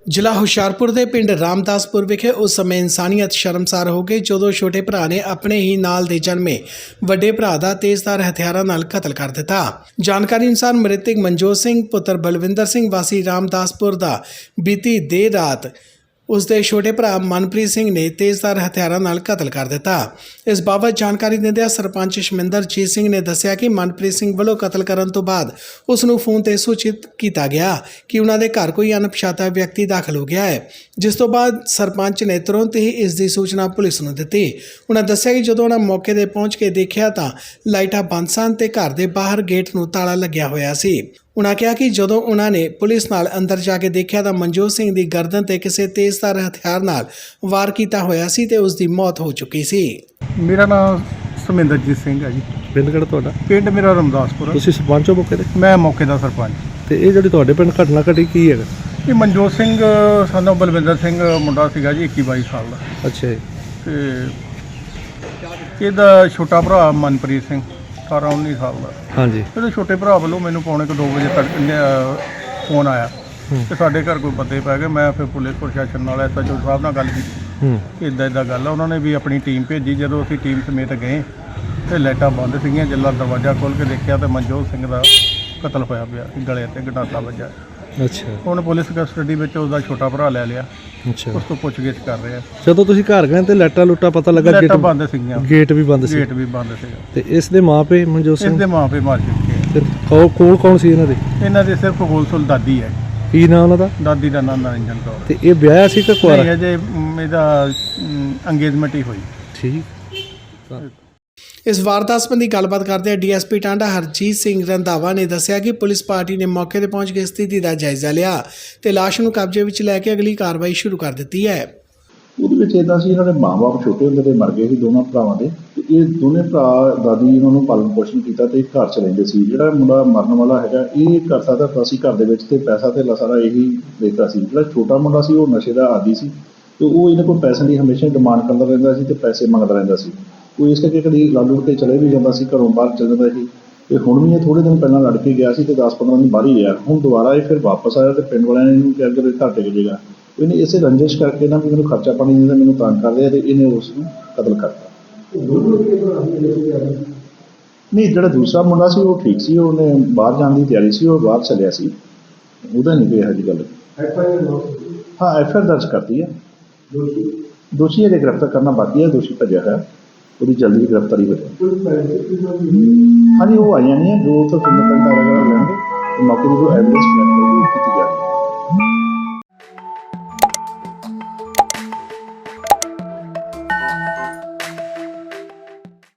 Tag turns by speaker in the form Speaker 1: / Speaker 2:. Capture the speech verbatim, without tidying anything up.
Speaker 1: ਜ਼ਿਲ੍ਹਾ ਹੁਸ਼ਿਆਰਪੁਰ ਦੇ ਪਿੰਡ ਰਾਮਦਾਸਪੁਰ ਵਿਖੇ ਉਸ ਸਮੇਂ ਇਨਸਾਨੀਅਤ ਸ਼ਰਮਸਾਰ ਹੋ ਗਈ ਜਦੋਂ ਛੋਟੇ ਭਰਾ ਨੇ ਆਪਣੇ ਹੀ ਨਾਲ ਦੇ ਜਨਮੇ ਵੱਡੇ ਭਰਾ ਦਾ ਤੇਜ਼ਧਾਰ ਹਥਿਆਰਾਂ ਨਾਲ ਕਤਲ ਕਰ ਦਿੱਤਾ। ਜਾਣਕਾਰੀ ਅਨੁਸਾਰ ਮ੍ਰਿਤਕ ਮਨਜੋਤ ਸਿੰਘ ਪੁੱਤਰ ਬਲਵਿੰਦਰ ਸਿੰਘ ਵਾਸੀ ਰਾਮਦਾਸਪੁਰ ਦਾ ਬੀਤੀ ਦੇਰ ਰਾਤ ਉਸ ਦੇ ਛੋਟੇ ਭਰਾ ਮਨਪ੍ਰੀਤ ਸਿੰਘ ਨੇ ਤੇਜ਼ਧਾਰ ਹਥਿਆਰਾਂ ਨਾਲ ਕਤਲ ਕਰ ਦਿੱਤਾ। ਇਸ ਬਾਬਤ ਜਾਣਕਾਰੀ ਦਿੰਦਿਆਂ ਸਰਪੰਚ ਸ਼ਮਿੰਦਰਜੀਤ ਸਿੰਘ ਨੇ ਦੱਸਿਆ ਕਿ ਮਨਪ੍ਰੀਤ ਸਿੰਘ ਵੱਲੋਂ ਕਤਲ ਕਰਨ ਤੋਂ ਬਾਅਦ ਉਸ ਨੂੰ ਫੋਨ ਤੇ ਸੂਚਿਤ ਕੀਤਾ ਗਿਆ ਕਿ ਉਹਨਾਂ ਦੇ ਘਰ ਕੋਈ ਅਣਪਛਾਤਾ ਵਿਅਕਤੀ ਦਾਖਲ ਹੋ ਗਿਆ ਹੈ, ਜਿਸ ਤੋਂ ਬਾਅਦ ਸਰਪੰਚ ਨੇ ਤੁਰੰਤ ਹੀ ਇਸ ਦੀ ਸੂਚਨਾ ਪੁਲਿਸ ਨੂੰ ਦਿੱਤੀ। ਉਹਨਾਂ ਦੱਸਿਆ ਕਿ ਜਦੋਂ ਉਹਨਾਂ ਮੌਕੇ ਤੇ ਪਹੁੰਚ ਕੇ ਦੇਖਿਆ ਤਾਂ ਲਾਈਟਾਂ ਬੰਦ ਸਨ ਤੇ ਘਰ ਦੇ ਬਾਹਰ ਗੇਟ ਨੂੰ ਤਾਲਾ ਲੱਗਿਆ ਹੋਇਆ ਸੀ। ਉਹਨਾਂ ਕਿਹਾ ਕਿ ਜਦੋਂ ਉਹਨਾਂ ਨੇ ਪੁਲਿਸ ਨਾਲ ਅੰਦਰ ਜਾ ਕੇ ਦੇਖਿਆ ਤਾਂ ਮਨਜੋਤ ਸਿੰਘ ਦੀ ਗਰਦਨ ਤੇ ਕਿਸੇ ਤੇਜ਼ਧਾਰ ਹਥਿਆਰ ਨਾਲ ਵਾਰ ਕੀਤਾ ਹੋਇਆ ਸੀ ਤੇ ਉਸ ਦੀ ਮੌਤ ਹੋ ਚੁੱਕੀ ਸੀ।
Speaker 2: ਮੇਰਾ ਨਾਮ ਸ਼ਮਿੰਦਰਜੀਤ ਸਿੰਘ ਹੈ ਜੀ।
Speaker 3: ਪਿੰਡ ਕਿਹੜਾ ਤੁਹਾਡਾ?
Speaker 2: ਪਿੰਡ ਮੇਰਾ ਰਾਮਦਾਸਪੁਰ।
Speaker 3: ਤੁਸੀਂ ਸਰਪੰਚ ਹੋ ਮੌਕੇ ਤੇ?
Speaker 2: ਮੈਂ ਮੌਕੇ ਦਾ ਸਰਪੰਚ।
Speaker 3: ਤੇ ਇਹ ਜਿਹੜੀ ਤੁਹਾਡੇ ਪਿੰਡ ਘਟਨਾ ਘਟੀ ਕੀ ਹੈਗਾ?
Speaker 2: ਇਹ ਮਨਜੋਤ ਸਿੰਘ ਸਾਨੂੰ ਬਲਵਿੰਦਰ ਸਿੰਘ ਮੁੰਡਾ ਸੀਗਾ ਜੀ, ਇੱਕੀ ਬਾਈ ਸਾਲ ਦਾ।
Speaker 3: ਅੱਛਾ ਜੀ।
Speaker 2: ਤੇ ਇਹਦਾ ਛੋਟਾ ਭਰਾ ਮਨਪ੍ਰੀਤ ਸਿੰਘ ਅਠਾਰਾਂ ਉੱਨੀ ਸਾਲ ਦਾ।
Speaker 3: ਹਾਂਜੀ।
Speaker 2: ਇਹਦੇ ਛੋਟੇ ਭਰਾ ਵੱਲੋਂ ਮੈਨੂੰ ਪੌਣੇ ਕੁ ਦੋ ਵਜੇ ਤੱਕ ਫੋਨ ਆਇਆ ਕਿ ਸਾਡੇ ਘਰ ਕੋਈ ਬੰਦੇ ਪੈ ਗਏ। ਮੈਂ ਫਿਰ ਪੁਲਿਸ ਪ੍ਰਸ਼ਾਸਨ ਨਾਲ ਐਸ ਐਚ ਓ ਸਾਹਿਬ ਨਾਲ ਗੱਲ ਕੀਤੀ ਕਿ ਇੱਦਾਂ ਇੱਦਾਂ ਗੱਲ ਆ। ਉਹਨਾਂ ਨੇ ਵੀ ਆਪਣੀ ਟੀਮ ਭੇਜੀ। ਜਦੋਂ ਅਸੀਂ ਟੀਮ ਸਮੇਤ ਗਏ ਤੇ ਲਾਈਟਾਂ ਬੰਦ ਸੀਗੀਆਂ। ਜੱਲਾ ਦਰਵਾਜ਼ਾ ਖੋਲ੍ਹ ਕੇ ਦੇਖਿਆ ਤੇ ਮਨਜੋਤ ਸਿੰਘ ਦਾ ਕਤਲ ਹੋਇਆ ਪਿਆ, ਗਲੇ ਤੇ ਗੰਡਾਸਾ ਵੱਜਾ।
Speaker 3: ਅੱਛਾ।
Speaker 2: ਹੁਣ ਪੁਲਿਸ ਕਸਟਡੀ ਵਿੱਚ ਉਹਦਾ ਛੋਟਾ ਭਰਾ ਲੈ ਲਿਆ।
Speaker 3: ਅੱਛਾ।
Speaker 2: ਉਸ ਤੋਂ ਪੁੱਛਗਿੱਛ ਕਰ ਰਹੇ ਆ।
Speaker 3: ਜਦੋਂ ਤੁਸੀਂ ਘਰ ਗਏ ਤੇ ਲਾਈਟਾਂ ਲੁੱਟਾਂ ਪਤਾ ਲੱਗਾ
Speaker 2: ਲਾਈਟਾਂ ਬੰਦ ਸੀਗੀਆਂ।
Speaker 3: ਗੇਟ ਵੀ ਬੰਦ ਸੀ?
Speaker 2: ਗੇਟ ਵੀ ਬੰਦ ਸੀਗਾ।
Speaker 3: ਤੇ ਇਸ ਦੇ ਮਾਪੇ ਮਨਜੋਤ ਸਿੰਘ?
Speaker 2: ਇਸ ਦੇ ਮਾਪੇ ਮਾਰ ਚੁੱਕੇ ਆ।
Speaker 3: ਫਿਰ ਕੌਣ ਕੌਣ ਕੌਣ ਸੀ ਇਹਨਾਂ ਦੇ?
Speaker 2: ਇਹਨਾਂ ਦੇ ਸਿਰਫ ਗੋਲਸੁਲ ਦਾਦੀ ਹੈ।
Speaker 3: ਕੀ ਨਾਮ ਉਹਨਾਂ ਦਾ?
Speaker 2: ਦਾਦੀ ਦਾ ਨਾਮ ਨਰਿੰਜਨ ਕੌਰ।
Speaker 3: ਤੇ ਇਹ ਵਿਆਹਿਆ ਸੀ ਕਿ ਕੁਆਰਾ?
Speaker 2: ਨਹੀਂ, ਅਜੇ ਮ, ਇਹਦਾ ਅੰਗੇਜਮੈਂਟ ਹੀ ਹੋਈ।
Speaker 3: ਠੀਕ।
Speaker 1: ਇਸ ਵਾਰਦਾਤ ਸੰਬੰਧੀ ਗੱਲਬਾਤ ਕਰਦੇ ਡੀਐਸਪੀ ਟਾਂਡਾ ਹਰਜੀਤ ਸਿੰਘ ਰੰਧਾਵਾ ਨੇ ਦੱਸਿਆ ਕਿ ਪੁਲਿਸ ਪਾਰਟੀ ਨੇ ਮੌਕੇ ਤੇ ਪਹੁੰਚ ਕੇ ਸਥਿਤੀ ਦਾ ਜਾਇਜ਼ਾ ਲਿਆ ਤੇ ਲਾਸ਼ ਨੂੰ ਕਬਜ਼ੇ ਵਿੱਚ ਲੈ ਕੇ ਅਗਲੀ ਕਾਰਵਾਈ ਸ਼ੁਰੂ ਕਰ ਦਿੱਤੀ ਹੈ।
Speaker 4: ਉਹਦੇ ਵਿੱਚ ਇੱਦਾਂ ਸੀ, ਇਹਨਾਂ ਦੇ ਮਾਂ-ਬਾਪ ਛੋਟੇ ਹੁੰਦੇ ਤੇ ਮਰ ਗਏ ਸੀ ਦੋਨਾਂ ਭਰਾਵਾਂ ਦੇ। ਤੇ ਇਹ ਦੋਨੇ ਭਰਾ ਦਾਦੀ ਇਹਨਾਂ ਨੂੰ ਪਾਲਣ ਪੋਸ਼ਣ ਕੀਤਾ ਤੇ ਘਰ ਚ ਰਹਿੰਦੇ ਸੀ। ਜਿਹੜਾ ਮੁੰਡਾ ਮਰਨ ਵਾਲਾ ਹੈਗਾ ਇਹ ਕਰ ਸਕਦਾ ਤਾਂ ਸੀ ਘਰ ਦੇ ਵਿੱਚ ਤੇ ਪੈਸਾ ਤੇ ਸਾਰਾ ਇਹੀ ਦੇਖਦਾ ਸੀ। ਜਿਹੜਾ ਛੋਟਾ ਮੁੰਡਾ ਸੀ ਉਹ ਨਸ਼ੇ ਦਾ ਆਦੀ ਸੀ ਤੇ ਉਹ ਇਹਨਾਂ ਕੋਲ ਪੈਸੇ ਦੀ ਹਮੇਸ਼ਾ ਡਿਮਾਂਡ ਕਰਦਾ ਰਹਿੰਦਾ ਸੀ ਤੇ ਪੈਸੇ ਮੰਗਦਾ ਰਹਿੰਦਾ ਸੀ। ਉਹ ਇਸ ਕਰਕੇ ਕਦੀ ਲੜ ਲੁੜ ਕੇ ਚਲੇ ਵੀ ਜਾਂਦਾ ਸੀ, ਘਰੋਂ ਬਾਹਰ ਚਲ ਜਾਂਦਾ ਸੀ। ਤੇ ਹੁਣ ਵੀ ਇਹ ਥੋੜ੍ਹੇ ਦਿਨ ਪਹਿਲਾਂ ਲੜ ਕੇ ਗਿਆ ਸੀ ਤੇ ਦਸ ਪੰਦਰਾਂ ਦਿਨ ਬਾਹਰ ਹੀ ਰਿਹਾ। ਹੁਣ ਦੁਬਾਰਾ ਇਹ ਫਿਰ ਵਾਪਸ ਆਇਆ ਤੇ ਪਿੰਡ ਵਾਲਿਆਂ ਨੇ ਇਹਨੂੰ ਕਿਹਾ ਕਿ ਘਰ ਟਿਕ ਜਾਏਗਾ। ਇਹਨੇ ਇਸੇ ਰੰਜਿਸ਼ ਕਰਕੇ ਨਾ ਵੀ ਮੈਨੂੰ ਖਰਚਾ ਪਾਣੀ ਦਿੰਦਾ, ਮੈਨੂੰ ਤੰਗ ਕਰਦੇ ਆ ਤੇ ਇਹਨੇ ਉਸ ਨੂੰ ਕਤਲ ਕਰਤਾ। ਨਹੀਂ, ਜਿਹੜਾ ਦੂਸਰਾ ਮੁੰਡਾ ਸੀ ਉਹ ਠੀਕ ਸੀ, ਉਹਨੇ ਬਾਹਰ ਜਾਣ ਦੀ ਤਿਆਰੀ ਸੀ, ਉਹ ਬਾਹਰ ਚੱਲਿਆ ਸੀ। ਉਹਦਾ ਨਹੀਂ ਕੋਈ ਇਹੋ ਜਿਹੀ ਗੱਲ। ਹਾਂ, ਐਫ ਆਈ ਆਰ ਦਰਜ ਕਰਤੀ ਹੈ। ਦੋਸ਼ੀ ਅਜੇ ਗ੍ਰਿਫਤਾਰ ਕਰਨਾ ਬਾਕੀ ਹੈ। ਦੋਸ਼ੀ ਭੱਜਿਆ ਹੈ, ਉਹਦੀ ਜਲਦੀ ਗ੍ਰਿਫਤਾਰੀ ਹੋ ਜਾਏ। ਹਾਂਜੀ, ਉਹ ਆਈਆਂ ਨਹੀਂ ਹੈ। ਜੋ ਉੱਥੋਂ ਫਿੰਗਰਪ੍ਰਿੰਟ ਵਗੈਰਾ ਲੈਣਗੇ ਮੌਕੇ ਦੀ ਜੋ ਐਵੀਡੈਂਸ